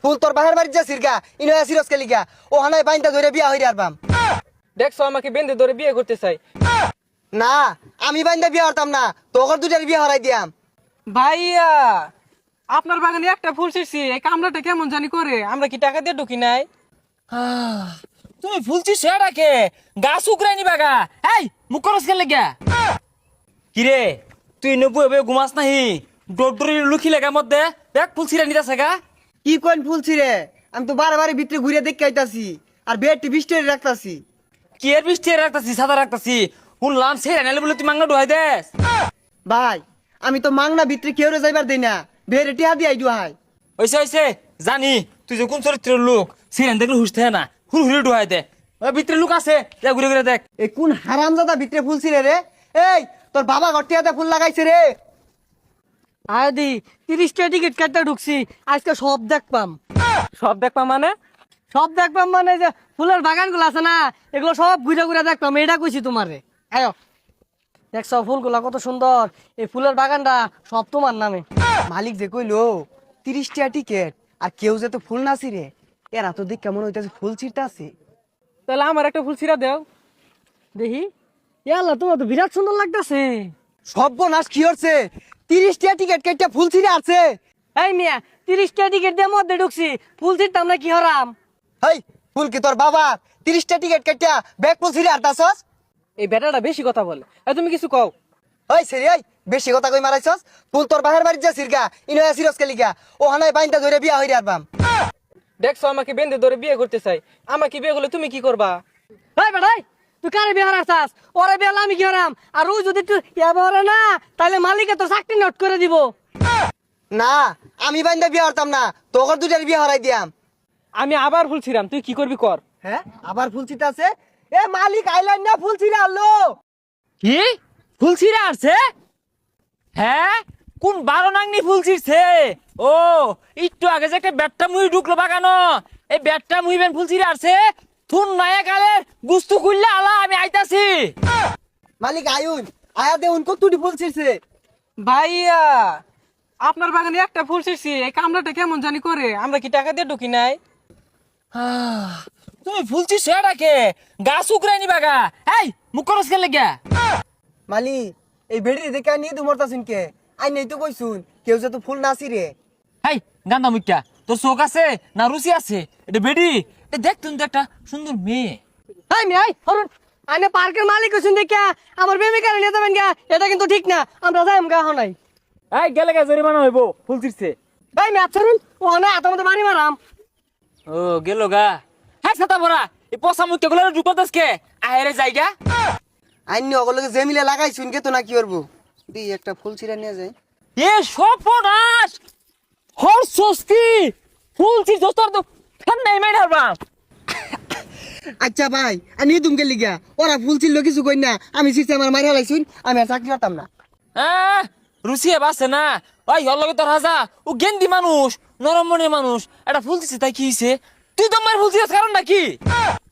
ফুল তোর বাহের বাড়ি যাচ্ছিস গা ইনো আসিরস কে লিগা ও হানায় বাইন্দা ধরে বিয়া হইরে আরবাম। দেখছো আমাকে বেঁধে ধরে বিয়ে করতে চাই। না আমি বাইন্দা বিয়া হরতাম না, তোর দুটার বিয়া হরাই দিয়াম। ভাইয়া আপনার বাগানে একটা ফুল ছিঁড়ছি, এই কামড়াটা কেমন জানি করে, আমরা কি টাকা দিয়ে ঢুকি নাই? তুমি ফুলছি সেটাকে গাছ উকরাই নিবা গা। এই মুখ করস কেন লাগিয়া? কিরে তুই নব্বই ঘুমাস নাহি? ডোডরি লুকি লাগা মধ্যে দেখ ফুল ছিঁড়ে নিতেছে গা। কি কোন ফুলছি রে, আমি তো বারে ভিতরে ঘুরে দেখে আইতাছি আর বেডটি বিস্টের রাখতাছি। কি এর বৃষ্টি রাখতাছি সাদা রাখতাছি শুনলাম ছেড়ে নাইলে বলে তুই মাংনা ডুহাই দেস। ভাই আমি তো মাংনা ভিতরে কেউ যাইবার দেই না, বেড়ে টিহা দিয়ে আইডু হাই। হইছে জানি তুই যে কোন চরিত্রের লোক, ছেড়ে দেখলে হুস থাকে না, হুল হুলে ডুহাই দে। ওই ভিতরে লোক আছে যা ঘুরে ঘুরে দেখ। এই কোন হারামজাদা ভিতরে ফুলছি রে? এই তোর বাবা ঘরটিয়াতে ফুল লাগাইছে রে। আদি 30টা টিকিট কাটতে ঢুকছি, আজকে সব দেখবাম। সব দেখবাম মানে? সব দেখবাম মানে যে ফুলের বাগানগুলো আছে না, এগুলো সব ঘুরে ঘুরে দেখবাম, এটা কইছি তোমারে। আয়ো দেখছো ফুলগুলা কত সুন্দর, এই ফুলের বাগানটা সব তোমার নামে। মালিক যে কইলো 30টা টিকেট আর কেউ যে তো ফুল নাছি রে, এরা তো দেখ কেমন হইতাছে ফুল ছিঁড়তে আছে। তাহলে আমার একটা ফুল ছিঁড়া দেও দেখি। ইয়াল্লা তোমার তো বিরাট সুন্দর লাগতেছে। সর্বনাশ কি হচ্ছে, 30টা টিকেট কেটে ফুল ছিঁড়ে আছে। এই মিয়া 30টা টিকিট দিয়ে মধ্যে ঢুকছি, ফুল ছিঁড়তাম না কি হরাম? হেই ফুল কি তোর বাবা? 30টা টিকেট কেটে ব্যাগ ফুল ছিঁড়ে আরতাছস? এই বেটাটা বেশি কথা বলে, তুমি কিছু কও। ওই সেরি ওই বেশি কথা কই মারাইছস। ফুল তোর বাহের বাড়ি যাচ্ছিস গা ইনো আসিরস কে লিগা ও হানায় বাইন্দা ধরে বিয়া হইরে আরবাম। দেখছো আমাকে বেঁধে ধরে বিয়ে করতে চাই, আমাকে বিয়ে করলে তুমি কি করবা? এই বেটাই তুই কারে বিয়ে হারাছাস? ওরে বিয়ে হলে আমি কি হারাম? আর ও যদি তুই এবারে না, তাহলে মালিকে তো চাকরি নোট করে দিব। না আমি বাইন্দা বিয়া হরতাম না, তোর দুটার বিয়া হরাই দিয়াম। আমি আবার ফুল ছিঁড়াম, তুই কি করবি কর। হ্যাঁ আবার ফুল ছিঁড়তে আছে? এ মালিক আইলাইন না ফুল ছিঁড়ে আনলো। কি ফুল ছিঁড়ে আসছে? হ্যাঁ কোন বারো নাংনি ফুল ছিঁড়ছে? ও একটু আগে যে একটা ব্যাটটা মুই ঢুকলো বাগানো, এই ব্যাটটা মুইবেন ফুল ছিঁড়ে আসছে। থুন নায়া কালের গুস্তু খুললে আলা আমি আইতাছি। মালিক আয়ুন আয়া দেউন কতটি ফুল ছিঁড়ছে। ভাইয়া আপনার বাগানে একটা ফুল ছিঁড়ছি, এই কামড়াটা কেমন জানি করে, আমরা কি টাকা দিয়ে ঢুকি নাই? তুমি ফুল ছিঁড়ছো এটাকে গাছ উকরাই নিবা গা। এই মুখ করস কেন লাগিয়া? মালিক এই বেড়ি দেখে নিয়ে তো মরতাছুন কে? আই নেই তো কইছুন কেউ যে তো ফুল নাছি রে। হাই গান্দা মুখ্যা তোর চোখ আছে না রুচি আছে? এটা বেডি এটা দেখ তুমি তো একটা সুন্দর মেয়ে। এই মিয়া হরুন আইনে পার্কের মালিক হইছুন দেখা আমার প্রেমিকার নিয়ে যাবেন গা, এটা কিন্তু ঠিক না, আমরা যাইম গা হনাই। এই গেলে গা জরিমানা হইব ফুল ছিঁড়ছে। এই মিয়া ছাড়ুন, ও না এত মতো বাড়ি মারাম। ও গেল গা। হ্যাঁ ছাতা ভরা এই পচা মুখ্যা গুলো ঢুকো দেশকে আহেরে জায়গা। আইনি অগলকে যে মিলে লাগাইছুন কে তো না কি করবো, দি একটা ফুল ছিঁড়া নিয়ে যায়। এ সর্বনাশ হর সস্তি ফুল ছিঁড়ছো তোর তো ফেন নাই মাই হারবাম। আচ্ছা ভাই আমি তুমি গেলি গা, ওরা ফুল ছিল কিছু কই না, আমি ছিঁড়তে আমার মারি হালাইছুন, আমি আর চাকরি করতাম না। রুচি বাসে না ওই হর লগে তোর হাজা ও গেন্দি মানুষ নরম মনের মানুষ, এটা ফুল দিছে তাই কি হইছে? তুই তো মার ফুল দিছিস কারণ নাকি?